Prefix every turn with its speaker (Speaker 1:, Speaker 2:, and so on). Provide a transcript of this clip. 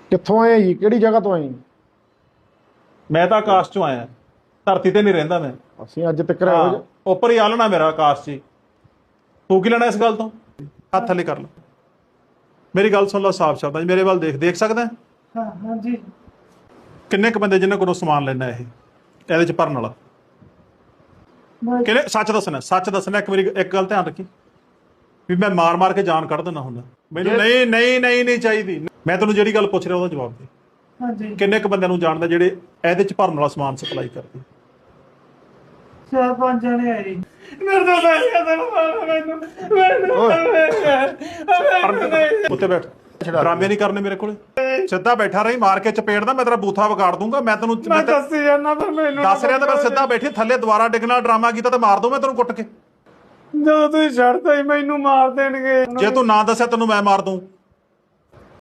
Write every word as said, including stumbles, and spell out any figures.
Speaker 1: ਕਿੱਥੋਂ ਆਏ ਜੀ? ਕਿਹੜੀ ਜਗ੍ਹਾ ਤੋਂ ਆਏ?
Speaker 2: ਮੈਂ ਤਾਂ ਆਕਾਸ਼ ਚੋਂ ਆਇਆ, ਧਰਤੀ ਤੇ ਨਹੀਂ ਰਹਿੰਦਾ ਮੈਂ।
Speaker 1: ਅਸੀਂ ਅੱਜ ਤੱਕ ਇਹੋ ਜਿਹੇ
Speaker 2: ਉੱਪਰ ਹੀ ਆਲਣਾ ਮੇਰਾ ਆਕਾਸ਼ 'ਚ। ਤੂੰ ਕੀ ਲੈਣਾ ਇਸ ਗੱਲ ਤੋਂ? ਹੱਥ ਥੱਲੇ ਕਰ ਲੈ। ਮੇਰੀ ਗੱਲ ਸੁਣ ਲਾ ਸਾਫ਼ ਸ਼ਬਦਾਂ 'ਚ, ਮੇਰੇ ਵੱਲ ਦੇਖ ਦੇਖ ਸਕਦਾ?
Speaker 3: ਹਾਂ ਹਾਂਜੀ।
Speaker 2: ਕਿੰਨੇ ਕੁ ਬੰਦੇ ਜਿਨ੍ਹਾਂ ਕੋਲੋਂ ਸਮਾਨ ਲੈਣਾ ਇਹ ਇਹਦੇ 'ਚ ਭਰਨ ਵਾਲਾ? ਕਿਹਨੇ? ਸੱਚ ਦੱਸਣਾ, ਸੱਚ ਦੱਸਣਾ। ਇੱਕ ਮੇਰੀ ਇੱਕ ਗੱਲ ਧਿਆਨ ਰੱਖੀ ਵੀ ਮੈਂ ਮਾਰ ਮਾਰ ਕੇ ਜਾਨ ਕੱਢ ਦਿੰਦਾ ਹੁੰਦਾ। ਮੈਨੂੰ ਨਹੀਂ ਨਹੀਂ ਨਹੀਂ ਨਹੀਂ ਚਾਹੀਦੀ। ਮੈਂ ਤੈਨੂੰ ਜਿਹੜੀ ਗੱਲ ਪੁੱਛ ਰਿਹਾ ਉਹਦਾ ਜਵਾਬ ਦੇ।
Speaker 3: ਹਾਂਜੀ।
Speaker 2: ਕਿੰਨੇ ਕੁ ਬੰਦਿਆਂ ਨੂੰ ਜਾਣਦਾ ਜਿਹੜੇ ਇਹਦੇ 'ਚ ਭਰਨ ਵਾਲਾ ਸਮਾਨ ਸਪਲਾਈ ਕਰਦੇ?
Speaker 3: ਚਾਰ ਪੰਜ ਜਣੇ ਆਏ ਜੀ। ਮੇਰੇ ਤੋਂ ਪੈਸੇ ਮੈਨੂੰ ਮੈਨੂੰ ਮੈਨੂੰ
Speaker 2: ਉੱਤੇ ਬੈਠ। ਡਰਾਮੇ ਨਹੀਂ ਕਰਨੇ ਮੇਰੇ ਕੋਲੇ। ਸਿੱਧਾ ਬੈਠਾ ਰਹੀ, ਮਾਰ ਕੇ ਚਪੇੜ ਦਾ ਮੈਂ ਤੇਰਾ ਬੂਥਾ ਵਿਗਾੜ ਦੂੰਗਾ। ਮੈਂ ਤੈਨੂੰ
Speaker 3: ਮੈਂ ਦੱਸੀ ਜਾਣਾ ਪਰ ਮੈਨੂੰ
Speaker 2: ਦੱਸ ਰਿਹਾ ਤਾਂ ਮੈਂ ਸਿੱਧਾ ਬੈਠੀ ਥੱਲੇ ਦੁਬਾਰਾ ਡਿੱਗਣਾ ਡਰਾਮਾ ਕੀਤਾ ਤੇ ਮਾਰ ਦੂੰ ਮੈਂ ਤੈਨੂੰ ਕੁੱਟ ਕੇ।
Speaker 3: ਜਦੋਂ ਤੁਸੀਂ ਛੱਡਤਾ ਹੀ ਮੈਨੂੰ ਮਾਰ ਦੇਣਗੇ।
Speaker 2: ਜੇ ਤੂੰ ਨਾ ਦੱਸਿਆ ਤੈਨੂੰ ਮੈਂ ਮਾਰ ਦੂੰ।